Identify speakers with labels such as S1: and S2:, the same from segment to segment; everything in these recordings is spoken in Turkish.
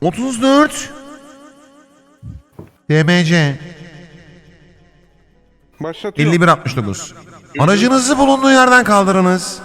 S1: 34 DMC
S2: Başlatıyorum.
S1: 5169. Aracınızı bulunduğu yerden kaldırınız.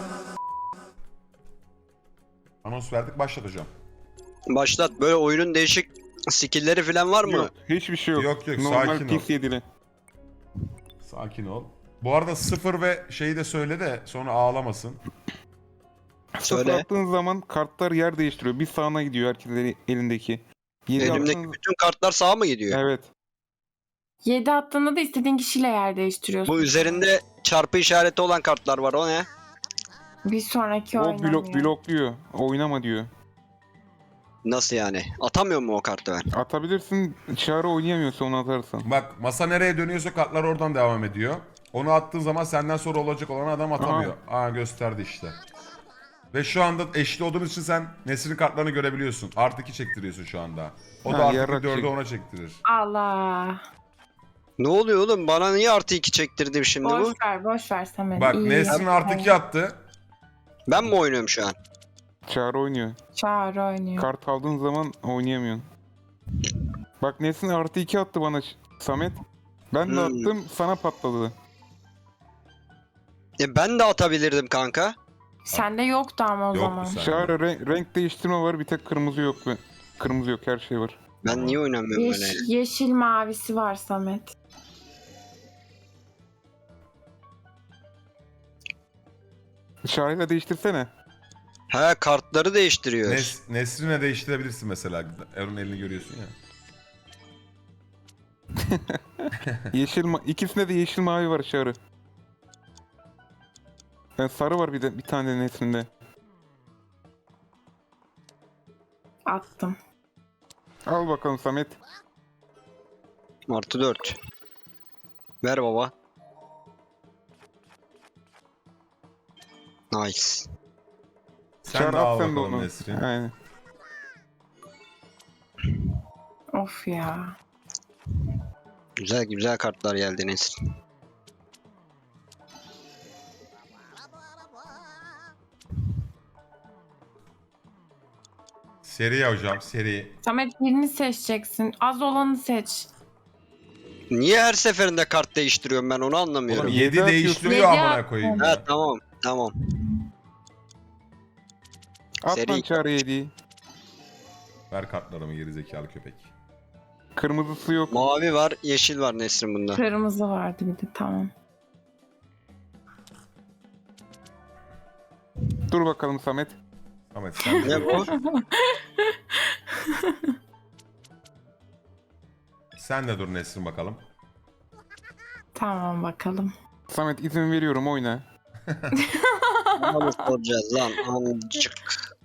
S1: Anons verdik, başlat hocam.
S3: Başlat. Böyle oyunun değişik skill'leri falan var mı?
S2: Yok, hiçbir şey yok.
S1: Yok,
S2: Normal
S1: sakin ol.
S2: PS7'li.
S1: Sakin ol. Bu arada 0 ve şeyi de söyle de sonra ağlamasın.
S2: Sıfır
S3: Söyle.
S2: attığın zaman kartlar yer değiştiriyor. Bir sağına gidiyor herkesin elindeki. 7
S3: Elimdeki
S2: attığın...
S3: bütün kartlar sağa mı gidiyor?
S2: Evet.
S4: 7 attığında da istediğin kişiyle yer değiştiriyorsun.
S3: Bu üzerinde çarpı işareti olan kartlar var. O ne?
S4: Bir sonraki
S2: O
S4: oynamıyor.
S2: blokluyor. Oynama diyor.
S3: Nasıl yani? Atamıyor mu o kartı ben?
S2: Atabilirsin. Çağrı oynayamıyorsa onu atarsan.
S1: Bak, masa nereye dönüyorsa kartlar oradan devam ediyor. Onu attığın zaman senden sonra olacak olan adam atamıyor. Aa, gösterdi işte. Ve şu anda eşli olduğumuz için sen Nesrin'in kartlarını görebiliyorsun. Artı 2 çektiriyorsun şu anda. O da
S2: Ha,
S1: artı
S2: yarrak
S1: 4'ü
S2: çek.
S1: ona çektirir.
S4: Allah.
S3: Ne oluyor oğlum? Bana niye artı 2 çektirdim şimdi bu?
S4: Boş ver Samet.
S1: Bak,
S4: İyi
S1: Nesrin
S4: yaptın.
S1: artı 2 attı.
S3: Ben mi oynuyorum şu an?
S2: Çağrı oynuyor.
S4: Çağrı oynuyor.
S2: Kart aldığın zaman oynayamıyorsun. Bak Nesin artı 2 attı bana Samet. Ben de attım sana patladı.
S3: Ben de atabilirdim kanka.
S4: Sende yoktu ama o
S1: Yoktu
S4: zaman.
S1: sende.
S2: Çağrı renk değiştirme var, bir tek kırmızı yok. Kırmızı yok, her şey var.
S3: Ben niye oynamıyorum böyle?
S4: Yeşil mavisi var Samet.
S2: Çağrı'yla değiştirsene.
S3: He, kartları değiştiriyor.
S1: Nesrin'e değiştirebilirsin mesela. Erun elini görüyorsun ya.
S2: İkisinde de yeşil mavi var Çağrı. Sarı var bir tane Nesin'de.
S4: Attım.
S2: Al bakalım Samet.
S3: Artı 4. Ver baba. Nice.
S1: Sen
S2: Çağrı
S1: de al
S2: at sen de
S1: bakalım
S2: onu.
S1: Nesrin.
S2: Aynen.
S4: Of ya.
S3: Güzel güzel kartlar geldi Nesrin.
S1: Seri ya hocam, seri.
S4: Samet birini seçeceksin. Az olanı seç.
S3: Niye her seferinde kart değiştiriyorum ben onu anlamıyorum.
S1: Oğlum
S2: Yedi
S1: 7
S2: atıyorsun.
S1: değiştiriyor
S4: Yedi
S1: amına
S4: at.
S1: koyayım.
S3: Ha
S1: ya.
S3: tamam tamam.
S2: At
S3: Seri
S2: lan Çağrı 7'yi.
S1: Ver kartlarımı gerizekalı köpek.
S2: Kırmızısı yok.
S3: Mavi var yeşil var Nesrin bunda.
S4: Kırmızı vardı bir de tamam.
S2: Dur bakalım Samet.
S1: Ahmet sen de
S3: Ne bu?
S1: Sen de dur Nesrin bakalım.
S4: Tamam bakalım.
S2: Samet izin veriyorum, oyna.
S3: Onu soracağız lan amcık.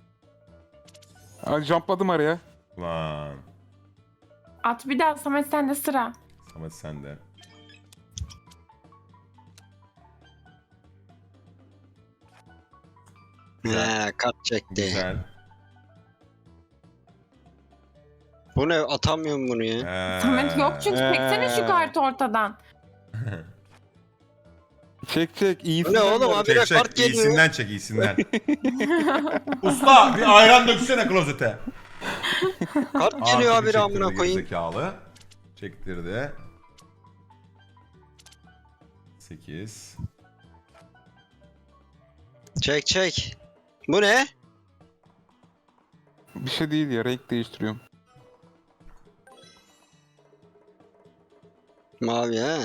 S2: Jumpladım araya.
S1: Lan.
S4: At bir daha Samet sende sıra.
S1: Samet sen de.
S3: He kart çekti.
S1: Güzel.
S3: Bu ne atamıyorum bunu ya.
S4: Samet yok çünkü çeksene şu kartı ortadan.
S2: Çek iyisin.
S3: Bu ne oğlum abi de
S1: Çek
S3: kart
S1: çek,
S3: geliyor.
S1: iyisinden çek, iyisinden. Usta bir ayran döksene klozete.
S3: Kart geliyor abi amına koyayım.
S1: Zekalı. Çektirdi. 8.
S3: Çek. Bu ne?
S2: Bir şey değil ya, renk değiştiriyorum.
S3: Mavi he.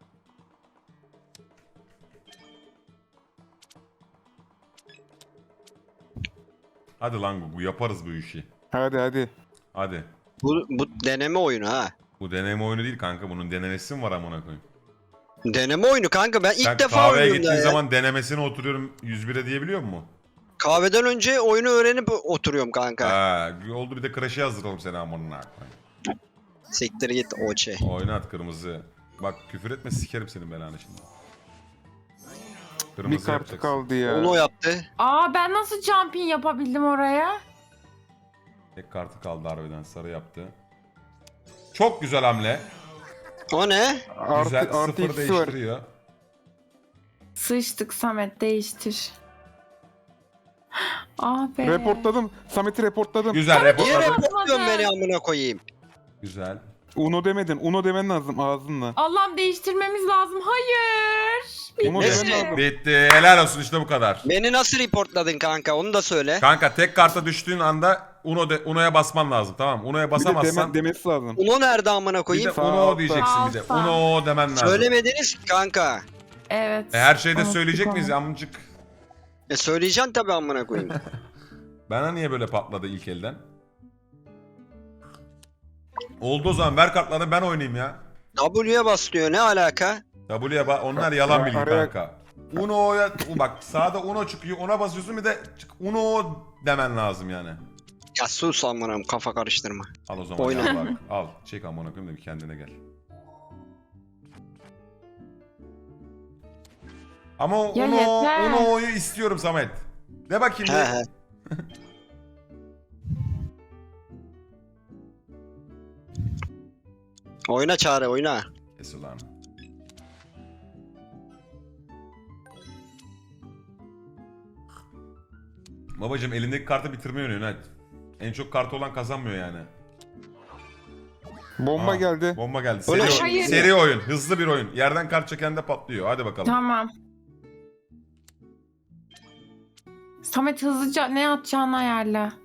S1: Hadi lan Gugu, yaparız bu işi.
S2: Hadi.
S1: Hadi.
S3: Bu deneme oyunu ha.
S1: Bu deneme oyunu değil kanka, bunun denemesi mi var amına koyayım?
S3: Deneme oyunu kanka ben ilk
S1: Sen
S3: defa
S1: kahveye
S3: oynuyorum
S1: gittiğin
S3: ya.
S1: zaman denemesine oturuyorum 101'e diyebiliyor musun?
S3: Kahveden önce oyunu öğrenip oturuyorum kanka.
S1: Ha, oldu bir de Crash'e hazırlayalım seni amına koyayım.
S3: Siktir git oçe.
S1: Oynat kırmızı. Bak küfür etme, sikerim senin belanı şimdi.
S2: Bir
S1: Kırmızı
S2: kartı
S1: yapacaksın.
S2: kaldı ya.
S3: Onu o yaptı.
S4: Aa ben nasıl jumping yapabildim oraya?
S1: Tek kartı kaldı harbiden, sarı yaptı. Çok güzel hamle.
S3: O ne?
S1: Güzel,
S2: Artı
S1: sıfır
S2: ikisi var.
S1: değiştiriyor.
S4: Sıçtık Samet değiştir. Ah be.
S2: Reportladım. Samet'i reportladım.
S1: Güzel
S3: Niye
S1: reportladım.
S3: reportluyorsun beni amına koyayım?
S1: Güzel.
S2: Uno demedin. Uno demen lazım ağzınla.
S4: Allah'ım değiştirmemiz lazım. Hayır.
S2: Uno
S3: Ne?
S2: demen lazım.
S1: Bitti. Helal olsun işte bu kadar.
S3: Beni nasıl reportladın kanka onu da söyle.
S1: Kanka tek karta düştüğün anda Uno'ya basman lazım, tamam mı? Uno'ya
S2: Bir de
S1: basamazsan
S2: demesi lazım.
S3: Uno nerede amına
S1: bir de
S3: koyayım?
S2: Sağ
S1: Uno
S2: altta.
S1: diyeceksin bir de.
S4: Altta.
S1: Uno demen lazım.
S3: Söylemediniz ki kanka.
S4: Evet.
S1: Her şeyde
S4: Unuttuk
S1: söyleyecek
S4: onu.
S1: miyiz amcık?
S3: Söyleyeceksin tabii amına koyayım.
S1: Bana niye böyle patladı ilk elden? Oldu o zaman, ver kartları ben oynayayım ya.
S3: W'ye bas diyor ne alaka?
S1: Onlar yalan bilgi
S2: Araya-
S1: kanka. Uno'ya bak, sağda Uno çıkıyor, ona basıyorsun, bir de Uno demen lazım yani.
S3: Ya sus amına koyayım, kafa karıştırma.
S1: Al o zaman
S3: Oyna.
S1: ya bak. Al çek amına koyayım da bir kendine gel. Ama
S4: Ya yeter.
S1: Uno'yu istiyorum Samet. De bakayım.
S3: He
S1: bir.
S3: he. Oyna Çağrı oyna.
S1: Kes ulan. Babacım elindeki kartı bitirmeyi oynuyorsun hadi. En çok kartı olan kazanmıyor yani.
S2: Bomba
S1: Aa,
S2: geldi.
S1: Bomba geldi.
S3: Öyle
S1: Seri,
S4: Hayır.
S1: seri oyun. Hızlı bir oyun. Yerden kart çeken de patlıyor. Hadi bakalım.
S4: Tamam. Samet hızlıca ne atacağını ayarla.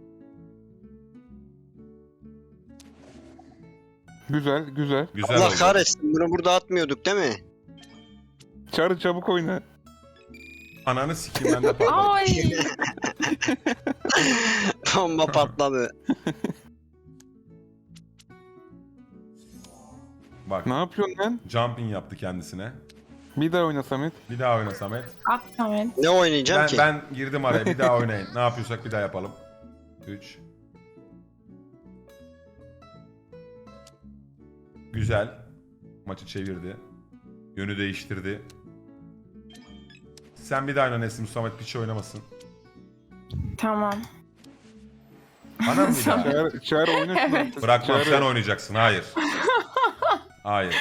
S2: Güzel güzel.
S1: Güzel
S3: Allah
S1: oldu.
S3: kahretsin bunu burada atmıyorduk değil mi?
S2: Çağrı çabuk oyna.
S1: Ananı sikeyim, ben de patladım.
S4: Ay.
S3: Bomba patladı.
S1: Bak,
S2: Ne yapıyorsun lan?
S1: jumping yaptı kendisine.
S2: Bir daha oyna Samet.
S1: Bir daha oyna Samet.
S4: At Samet.
S3: Ne oynayacağım ki?
S1: Ben girdim araya. Bir daha oynayın. Ne yapıyorsak bir daha yapalım. 3. Güzel. Maçı çevirdi. Yönü değiştirdi. Sen bir daha oyna Nesim. Samet piç oynamasın.
S4: Tamam.
S1: Bana mı bir daha?
S2: Çağrı oyna şunu artık.
S1: Bırakmam,
S2: Çağrı.
S1: sen oynayacaksın. Hayır. Hayır.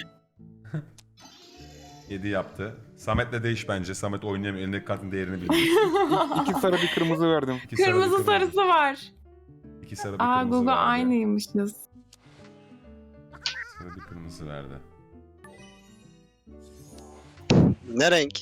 S1: 7 yaptı. Samet'le değiş bence. Samet oynayamıyor. Elindeki kartın değerini bilmiyor.
S2: İki sarı bir kırmızı verdim.
S1: İki sarı, bir
S4: Kırmızı sarısı var.
S1: İki sarı bir
S4: Aa
S1: kırmızı
S4: Google
S1: verdi.
S4: aynıymışız.
S1: Sarı bir kırmızı verdi.
S3: Ne renk?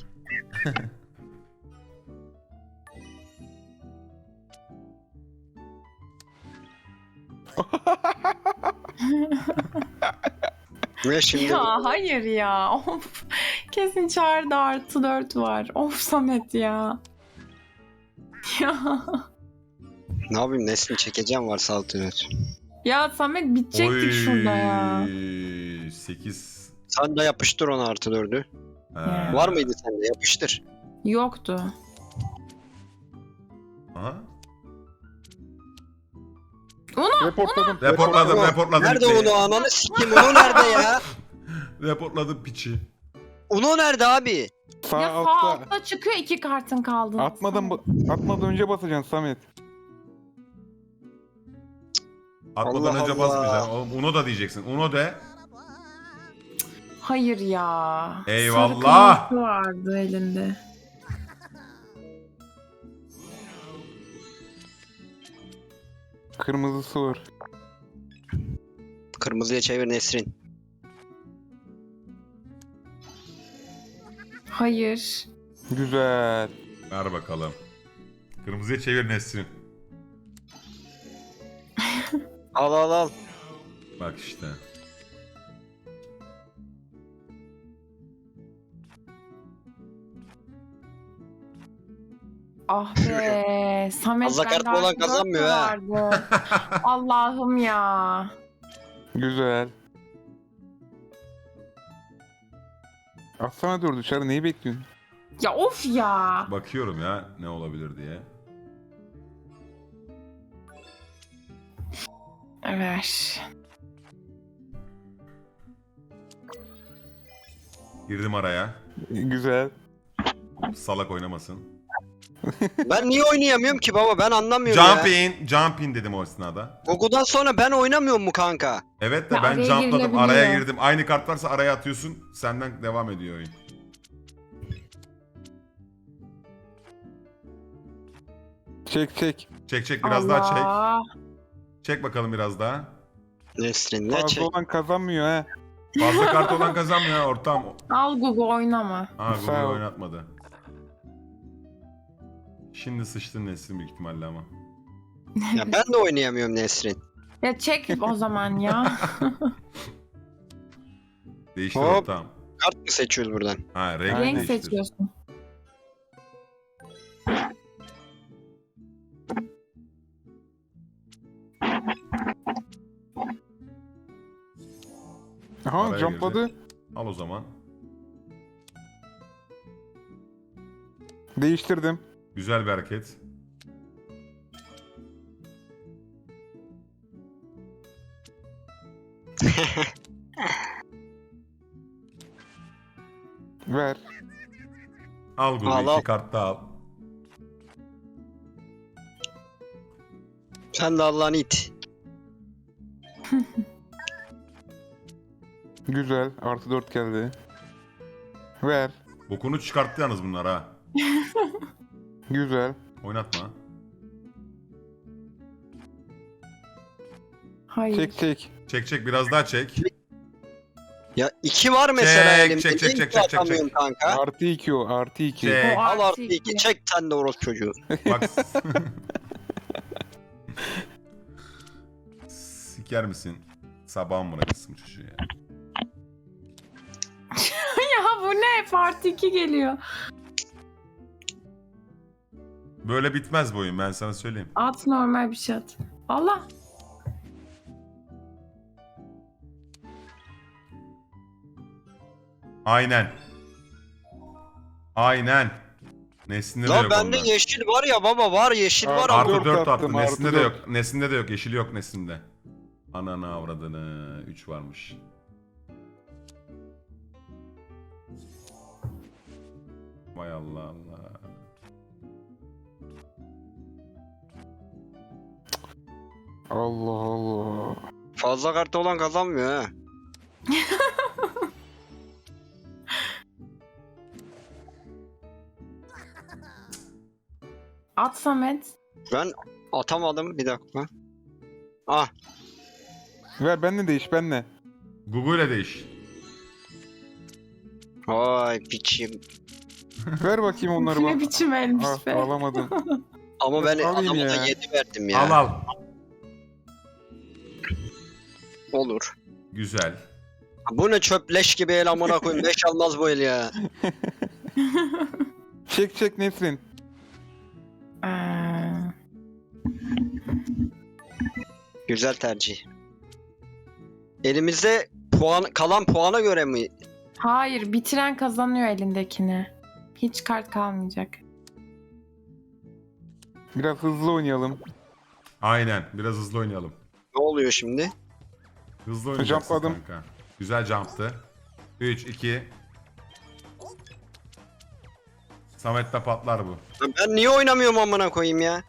S3: Ne şimdi?
S4: Ya hayır ya. Of. Kesin çağrıda +4 var. Of Samet ya. Ya.
S3: Ne yapayım Nesin çekeceğim varsa altını.
S4: Ya Samet bitecektik şurada ya.
S1: 8.
S3: Sen de yapıştır onu +4'ü.
S4: Ya.
S3: Var mıydı sende? Yapıştır.
S4: Yoktu.
S1: Aha.
S2: Reportladım.
S1: Reportladım.
S3: Nerede
S1: bitti.
S3: Uno ananı sikeyim Uno nerede ya?
S1: Reportladım piçi.
S3: Uno nerede abi?
S2: Sağ
S4: Ya sağ
S2: altta.
S4: altta çıkıyor 2 kartın kaldı.
S2: Atmadan önce basacaksın Samet.
S1: Atmadan
S3: Allah
S1: önce
S3: Allah.
S1: basmayacaksın. Oğlum Uno da diyeceksin. Uno de.
S4: Hayır ya.
S1: Eyvallah.
S4: Sarı kırmızı vardı elinde.
S2: Kırmızısı var.
S3: Kırmızıya çevir Nesrin.
S4: Hayır.
S2: Güzel.
S1: Ver bakalım. Kırmızıya çevir Nesrin.
S3: Al al al.
S1: Bak işte.
S4: Ah be. Samet
S3: Fazla kart
S4: bende
S3: olan
S4: +4
S3: kazanmıyor ha.
S4: vardı. Allah'ım ya.
S2: Güzel. Atsana 4'ü Çağrı neyi bekliyorsun?
S4: Ya of ya.
S1: Bakıyorum ya ne olabilir diye.
S4: Ver.
S1: Girdim araya.
S2: Güzel.
S1: Salak oynamasın.
S3: Ben niye oynayamıyorum ki baba ben anlamıyorum
S1: Jump
S3: ya.
S1: in. Jump in dedim o esnada.
S3: Gogo'dan sonra ben oynamıyorum mu kanka?
S1: Evet de
S4: Ya
S1: ben
S4: araya
S1: jumpladım.
S4: girilebiliyor.
S1: Araya girdim. Aynı kart varsa araya atıyorsun. Senden devam ediyor oyun.
S2: Çek çek.
S1: Çek biraz daha çek.
S4: Allah.
S1: Çek bakalım biraz daha.
S3: Nesrin ne
S2: Fazla
S3: çek?
S2: olan kazanmıyor ha.
S1: Fazla kart olan kazanmıyor ha ortam.
S4: Al Google oynama.
S1: Ha
S2: Sağ
S1: Google
S2: ol.
S1: oynatmadı. Şimdi sıçtın Nesrin büyük ihtimalle ama.
S3: Ya ben de oynayamıyorum Nesrin.
S4: Ya çek o zaman ya.
S1: Değiştir
S3: Hop.
S1: ortam.
S3: Kart mı seçiyoruz buradan?
S1: Ha renk,
S4: Renk
S1: değiştir.
S4: seçiyorsun.
S2: Aha
S1: Araya
S2: jumpladı.
S1: girdi. Al o zaman.
S2: Değiştirdim.
S1: Güzel bir hareket.
S2: Ver.
S1: Al Google
S3: Al, al.
S1: 2 kart daha al.
S3: Sen de Allah'ın it.
S2: Güzel. Artı 4 geldi. Ver.
S1: Bokunu çıkarttı yalnız bunlar ha.
S2: Güzel.
S1: Oynatma.
S4: Hayır.
S2: Çek çek.
S1: Çek biraz daha çek.
S3: Ya 2 var mesela
S1: Çek,
S3: elimde.
S1: çek,
S3: Niye
S1: çek,
S3: iki
S1: çek, çek,
S3: atamıyorum
S1: çek.
S3: kanka?
S2: Artı 2 o. Artı 2.
S1: Çek.
S4: O
S3: Al
S4: artı
S3: artı 2.
S4: iki.
S3: Çek sen de orospu çocuğu.
S1: Bak. Siker misin? Sabahın bırakırsın çocuğu ya.
S4: Ya bu ne? Part 2 geliyor.
S1: Böyle bitmez bu oyun ben sana söyleyeyim.
S4: At normal bir şey at. Allah.
S1: Aynen. Aynen. Nesinde de
S3: La
S1: yok
S3: bende
S1: onda.
S3: yeşil var ya baba var yeşil var
S2: Artı
S3: ama.
S1: Artı 4
S2: dört
S1: attı.
S2: attım,
S1: Nesinde
S2: artı
S1: de
S2: dört.
S1: yok. Nesinde de yok. Yeşili yok Nesinde. Ananı avradını. 3 varmış. Vay Allah Allah.
S2: Allah Allah.
S3: Fazla kartı olan kazanmıyor ha.
S4: At Samet.
S3: Ben atamadım bir dakika. Ah
S2: Ver benle değiş benle.
S1: Google ile değiş.
S3: vay piçim.
S2: Ver bakayım onları
S4: Ne
S2: bak.
S4: biçim elmiş
S2: Ah,
S4: be.
S2: alamadım.
S3: Ama ben
S2: Alayım
S3: adama da
S2: ya.
S3: 7 verdim ya.
S1: Al al.
S3: Olur.
S1: Güzel.
S3: Bu ne çöpleş gibi el amına koyayım. 5 almaz bu el ya.
S2: Çek çek Nesrin.
S3: Güzel tercih. Elimizde puan kalan puana göre mi?
S4: Hayır, bitiren kazanıyor elindekini. Hiç kart kalmayacak.
S2: Biraz hızlı oynayalım.
S1: Aynen. Biraz hızlı oynayalım.
S3: Ne oluyor şimdi?
S1: Hızlı oynayacaksın
S2: Jumpladım.
S1: kanka. Güzel jumptı. 3, 2. Samet'te patlar bu.
S3: Ya ben niye oynamıyorum amına koyayım ya?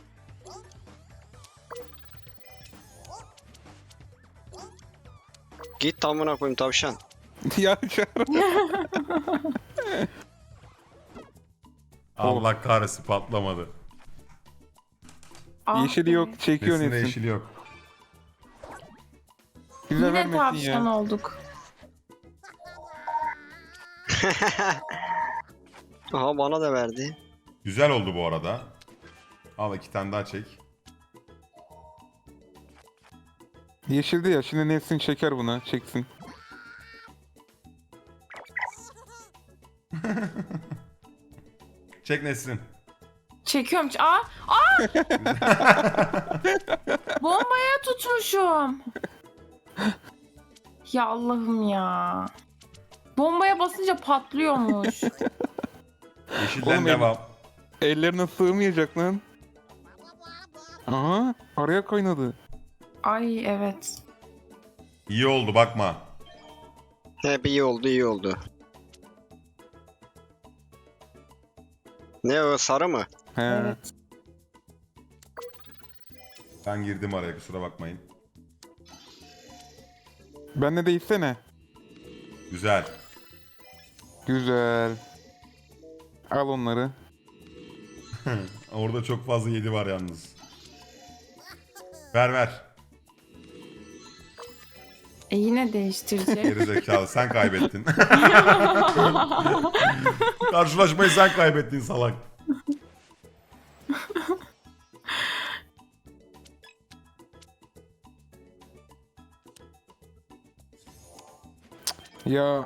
S3: Git amına koyayım tavşan.
S2: Ya Çağrı.
S1: Allah kahretsin patlamadı.
S4: Ah
S2: Yeşili
S4: be.
S2: yok. Çekiyor
S1: Nesinde
S2: Nesrin.
S1: yeşili yok.
S2: Güzel
S4: Yine
S2: vermesin
S4: tavşan
S2: ya.
S4: olduk.
S3: Aha bana da verdi.
S1: Güzel oldu bu arada. Al 2 tane daha çek.
S2: Yeşildi ya. Şimdi Nesrin çeker buna. Çeksin.
S1: Çek Nesrin.
S4: Çekiyorum. Aa! Aa! Bombaya tutmuşum. Ya Allah'ım ya. Bombaya basınca patlıyormuş.
S1: Yeşilden
S2: Oğlum,
S1: devam.
S2: Ellerine sığmayacak lan. Aha. Araya kaynadı.
S4: Ay evet.
S1: İyi oldu bakma.
S3: Hep iyi oldu iyi oldu. Ne o sarı mı?
S2: He.
S4: Evet.
S1: Ben girdim araya kusura bakmayın.
S2: Benle değişsene.
S1: Güzel.
S2: Güzel. Al onları.
S1: Orada çok fazla 7 var yalnız. Ver ver.
S4: Yine değiştirecek.
S1: Geri zekalı sen kaybettin. Karşılaşmayı sen kaybettin salak.
S2: Ya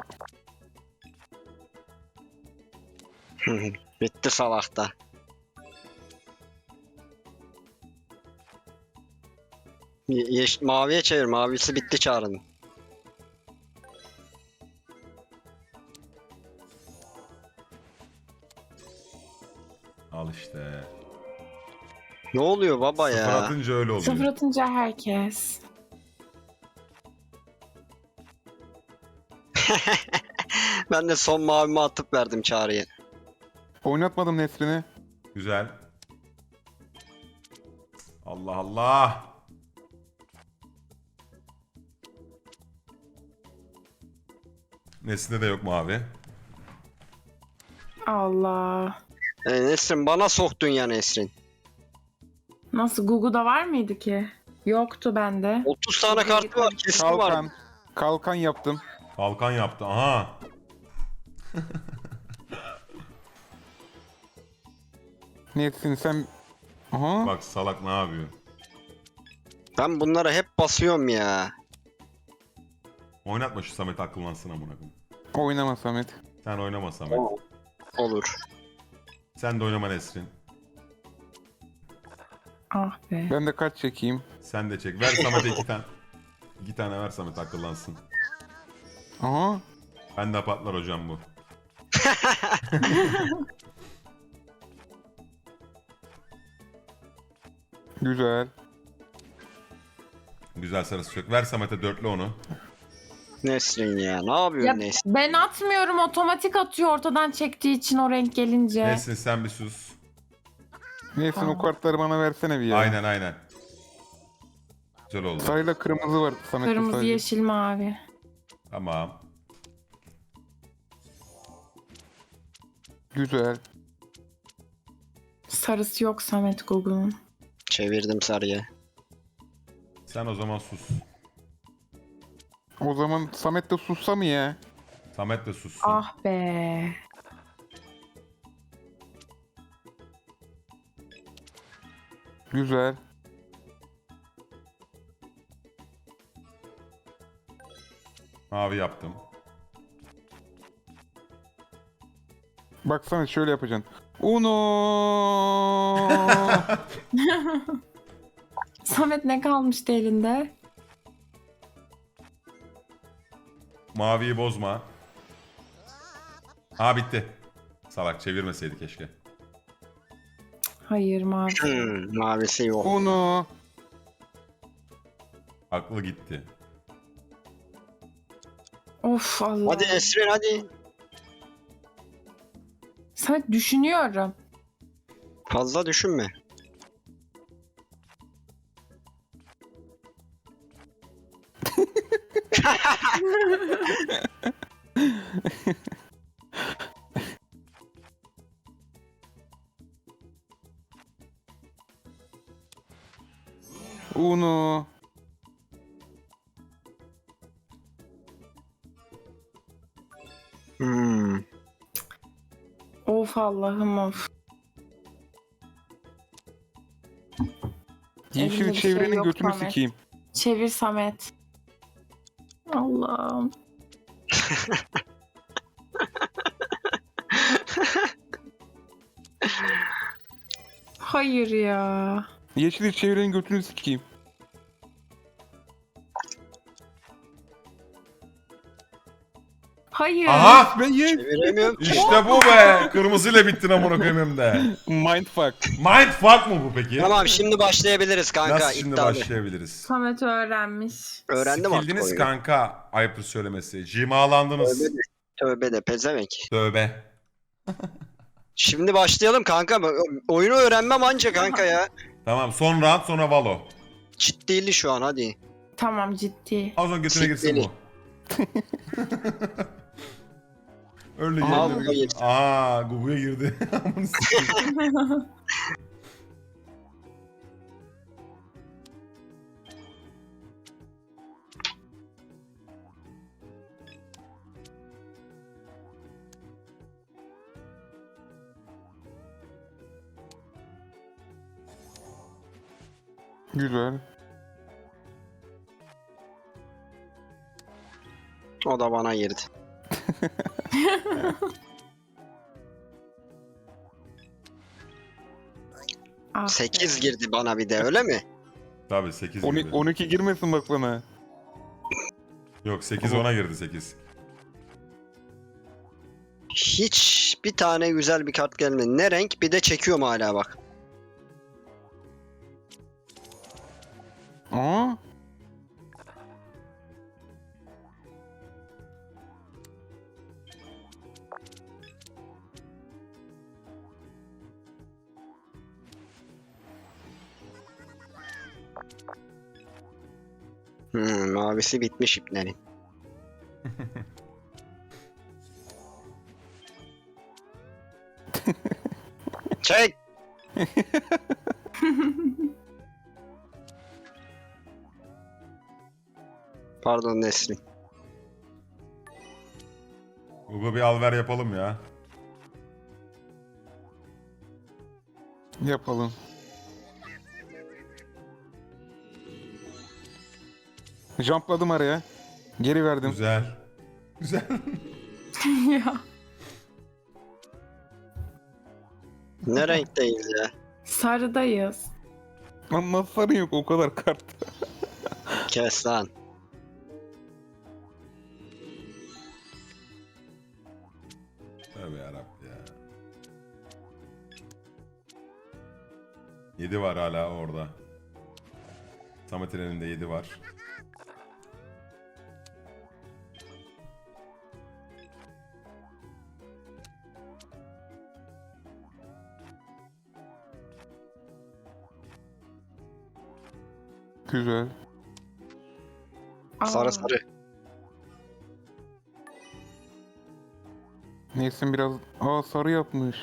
S3: Bitti salakta. Maviye çevir. Mavisi bitti çağrının.
S1: Al işte.
S3: Ne oluyor baba
S1: Sıfır
S3: ya?
S1: atınca öyle oluyor.
S4: Sıfır atınca herkes.
S3: Ben de son mavimi atıp verdim çağrıya.
S2: oynatmadım Nesrin'i.
S1: Güzel. Allah Allah. Nesinde de yok mavi.
S4: Allah.
S3: Nesrin bana soktun ya Nesrin.
S4: Nasıl Google'da var mıydı ki? Yoktu bende.
S3: 30 tane kartı var. Kesin var.
S2: Kalkan. Kalkan yaptım.
S1: Kalkan yaptı. Aha.
S2: Nesrin sen... Aha.
S1: Bak salak ne yapıyor?
S3: Ben bunlara hep basıyorum ya.
S1: Oynatma şu Samet akıllansın amına koyayım.
S2: Oynama Samet.
S1: Sen oynama Samet.
S3: Olur.
S1: Sen de oynama Nesrin.
S4: Ah be.
S2: Ben de kaç çekeyim.
S1: Sen de çek. Ver Samet'e 2 tane. 2 tane ver Samet akıllansın.
S2: Aha.
S1: Ben de patlar hocam bu.
S2: Güzel.
S1: Güzel sarısı çok. Ver Samet'e dörtlü onu.
S3: Nesrin ya. Ne yapıyorsun
S4: Ya
S3: Nesrin?
S4: ben atmıyorum, otomatik atıyor ortadan çektiği için o renk gelince.
S1: Nesrin sen bir sus.
S2: Nesrin
S4: Tamam.
S2: o kartları bana versene bir ya.
S1: Aynen aynen. Güzel oldu.
S2: Sarıyla kırmızı var Samet'te
S4: Kırmızı,
S2: sadece.
S4: yeşil, mavi.
S1: Tamam.
S2: Güzel.
S4: Sarısı yok Samet Google'un.
S3: Çevirdim sarıya.
S1: Sen o zaman sus.
S2: O zaman Samet de sussa mı ya?
S1: Samet de sussun.
S4: Ah be.
S2: Güzel.
S1: Mavi yaptım.
S2: Bak Samet şöyle yapacaksın. Uno.
S4: Samet ne kalmıştı elinde?
S1: Maviyi bozma. Ha bitti. Salak çevirmeseydi keşke.
S4: Hayır, mavi.
S3: Mavisi yok.
S2: Uno.
S1: Aklı gitti.
S4: Of Allah.
S3: Hadi Nesrin hadi.
S4: Samet düşünüyorum.
S3: Fazla düşünme.
S2: Uno.
S3: Hmm.
S4: Of Allah'ım of.
S2: Yeşil
S4: Elimde bir şey
S2: çevrenin
S4: yok
S2: götünü
S4: Samet.
S2: sikeyim.
S4: Çevir Samet. Allah'ım. Hayır ya.
S2: Yeşil çevrenin götünü sikeyim.
S4: Hayır.
S1: Aha!
S2: Ben ye.
S3: Çeviremiyorum ki.
S1: İşte bu be. Kırmızıyla bittin amına koyayım hem de.
S2: Mindfuck.
S1: Mindfuck mı bu peki?
S3: Tamam şimdi başlayabiliriz kanka.
S1: Nasıl şimdi
S3: iddialı.
S1: başlayabiliriz?
S4: Samet öğrenmiş.
S3: Öğrendim artık
S1: Sikildiniz
S3: oyunu.
S1: kanka. Ayıptır söylemesi. Cimalandınız.
S3: Tövbe de, tövbe de pezevenk.
S1: Tövbe.
S3: Şimdi başlayalım kanka. Oyunu öğrenmem anca kanka ya.
S1: Tamam son round sonra Valo.
S3: Ciddili şu an hadi.
S4: Tamam, ciddi.
S1: Az önce götüne girsin bu. Öyle
S2: Aa,
S1: yerine
S3: Gugu'ya
S1: bir-
S3: girdi.
S1: Aa, Gugu'ya girdi. Amına sikeyim.
S2: Güzel.
S3: O da bana girdi.
S4: Ah
S3: 8
S4: be.
S3: girdi bana bir de öyle mi?
S1: Tabii 8
S2: 12,
S1: girdi.
S2: 12 girmesin bak bana.
S1: Yok 8
S2: Ama-
S1: ona girdi 8.
S3: Hiç bir tane güzel bir kart gelmedi. Ne renk? Bir de çekiyorum hala bak.
S2: Aa,
S3: Mavisi bitmiş iplerin. Çek! Pardon Nesrin.
S1: Gugu bir alver yapalım ya.
S2: yapalım. Jumpladım araya. Geri verdim.
S1: Güzel. Güzel.
S4: Ya.
S3: Ne renkteyiz ya?
S4: Sarıdayız.
S2: Lan nasıl sarın yok o kadar kart.
S3: Kes lan.
S1: Tövbe yarabbim ya. 7 var hala orada. Samet'in elinde 7 var.
S2: Güzel.
S4: Aa,
S3: Sarı sarı.
S2: Nesin biraz... Aa, sarı yapmış.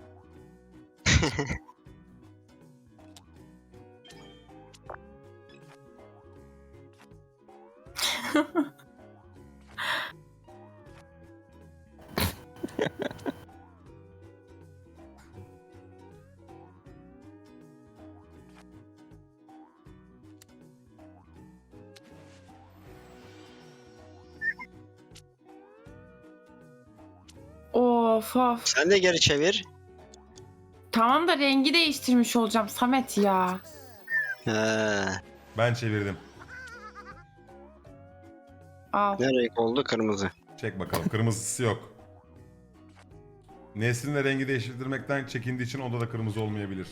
S4: Of of.
S3: Sen de geri çevir.
S4: Tamam da rengi değiştirmiş olacağım Samet ya.
S3: He.
S1: Ben çevirdim.
S4: Al.
S3: Ne renk oldu? Kırmızı.
S1: Çek bakalım. Kırmızısı yok. Nesrin de rengi değiştirmekten çekindiği için onda da kırmızı olmayabilir.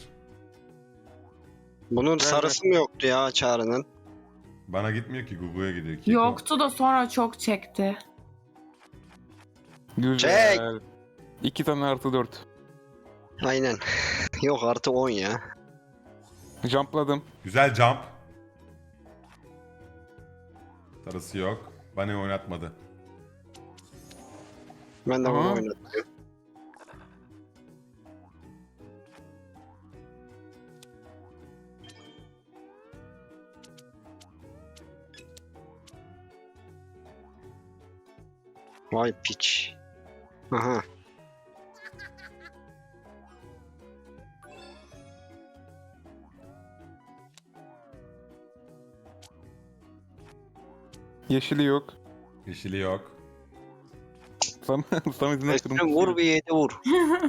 S3: Bunun
S2: Ver,
S3: sarısı mı yoktu ya Çağrı'nın?
S1: Bana gitmiyor ki, Gugu'ya gidiyor. Keko.
S4: Yoktu da sonra çok çekti.
S2: Güzel. 2 tane artı 4.
S3: Aynen. Yok artı 10 ya.
S2: Jumpladım.
S1: Güzel jump. Sarısı yok. Bana oynatmadı.
S3: Ben de bunu
S2: Aha.
S3: oynadım. Vay piç. Aha.
S2: Yeşili yok.
S1: Yeşili yok.
S2: Samet'in
S3: Üstüne vur bir 7 vur.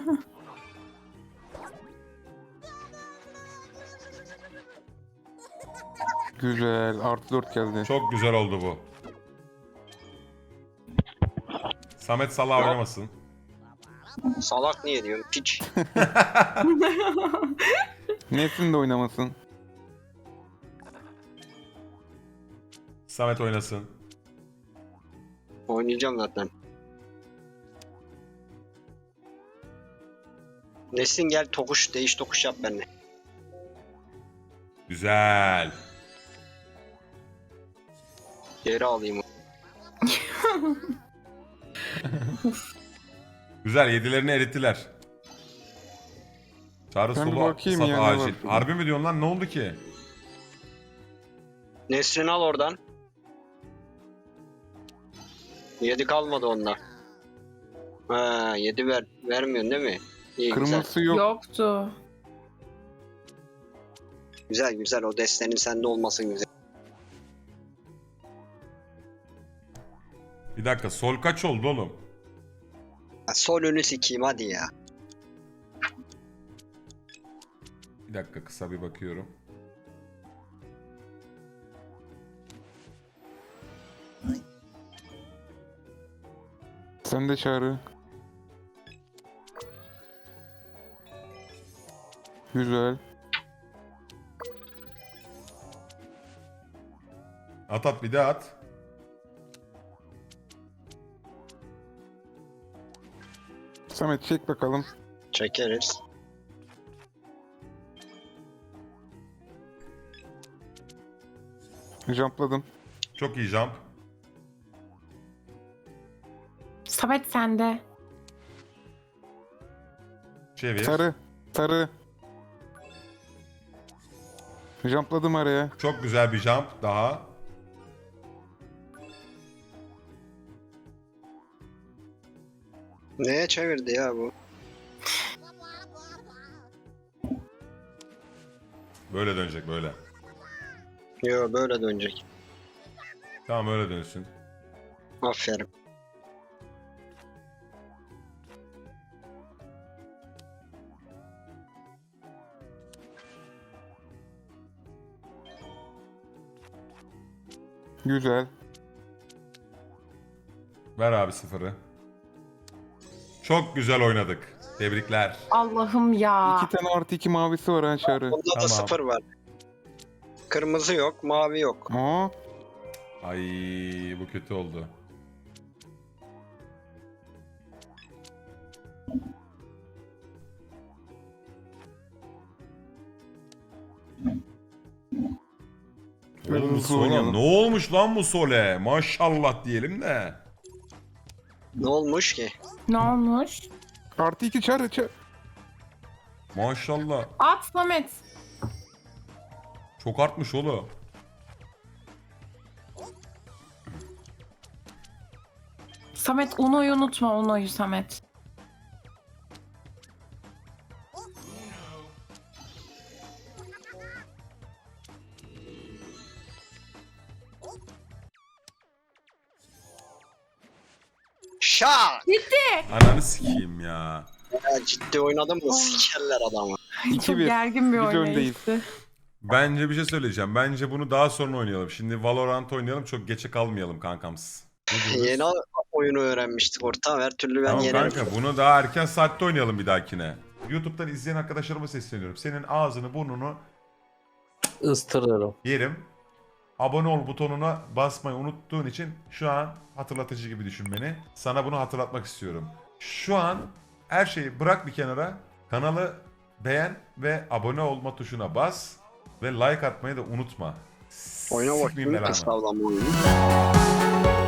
S2: Güzel. Artı 4 geldi.
S1: Çok güzel oldu bu. Samet Salah oynamasın.
S3: Salak niye diyorsun? Piç.
S2: Nesin de oynamasın.
S1: Samet oynasın.
S3: Oynayacağım zaten. Nesin gel tokuş, değiş tokuş yap benimle.
S1: Güzel.
S3: Geri alayım.
S1: Güzel, yedilerini erittiler. Çağrı
S2: Ben bir
S1: solu
S2: bakayım
S1: sat
S2: ya, ne
S1: acil.
S2: var şurada?
S1: Harbi mi diyorsun lan, ne oldu ki?
S3: Nesrin al oradan. 7 kalmadı onda. Ha 7 vermiyorsun değil mi? İyi güzel.
S2: Kırmızısı yok.
S4: Yoktu.
S3: Güzel güzel o destenin sende olmasın güzel.
S1: Bir dakika, sol kaç oldu oğlum?
S3: Ya, sol önü sikeyim hadi ya.
S1: Bir dakika, kısa bir bakıyorum.
S2: Sen de Çağrı. Güzel.
S1: At bir daha at.
S2: Samet çek bakalım.
S3: Çekeriz.
S2: Jumpladım.
S1: Çok iyi jump.
S4: Samet sende.
S1: Çevir.
S2: Sarı. Sarı. Jumpladım araya.
S1: Çok güzel bir jump daha.
S3: Neye çevirdi ya bu?
S1: Böyle dönecek, böyle.
S3: Yo böyle dönecek.
S1: Tamam, öyle dönsün.
S3: Aferin.
S2: Güzel.
S1: Ver abi sıfırı. Çok güzel oynadık. Tebrikler.
S4: Allah'ım ya.
S2: 2 tane artı 2 mavisi var ha Çağrı.
S3: Bunda da
S1: Tamam.
S3: 0 var. Kırmızı yok, mavi yok.
S2: Aa,
S1: Ay, bu kötü oldu. Oğlum bu
S2: hızlı
S1: Sola
S2: oynayalım.
S1: ne olmuş lan bu Sole? Maşallah diyelim de.
S3: Ne olmuş ki?
S4: Ne olmuş?
S2: artı 2 Çağrı.
S1: Maşallah.
S4: At Samet.
S1: Çok artmış oğlum.
S4: Samet Uno'yu unutma, Uno'yu Samet.
S3: Şak!
S1: Ananı sikeyim ya.
S3: Ya ciddi oynadım mı
S4: Oh.
S3: sikerler adamı.
S4: Çok
S2: 2-1.
S4: gergin bir
S2: Biz
S4: oynayıştı.
S1: Bence bir şey söyleyeceğim. Bence bunu daha sonra oynayalım. Şimdi Valorant oynayalım. Çok geçe kalmayalım kankams. Ne diyorsunuz?
S3: Yeni oyunu öğrenmiştik ortam her türlü ben
S1: Tamam
S3: yenerim.
S1: kanka, bunu daha erken saatte oynayalım bir dahakine. YouTube'dan izleyen arkadaşlarıma sesleniyorum. Senin ağzını burnunu
S5: Istırırım.
S1: yerim. Abone ol butonuna basmayı unuttuğun için şu an hatırlatıcı gibi düşün beni. Sana bunu hatırlatmak istiyorum. Şu an her şeyi bırak bir kenara. Kanalı beğen ve abone olma tuşuna bas. Ve like atmayı da unutma.
S3: Oyuna
S1: Sikmeyeyim
S3: bakayım
S1: belanı.
S3: kısa avlanma oyunu.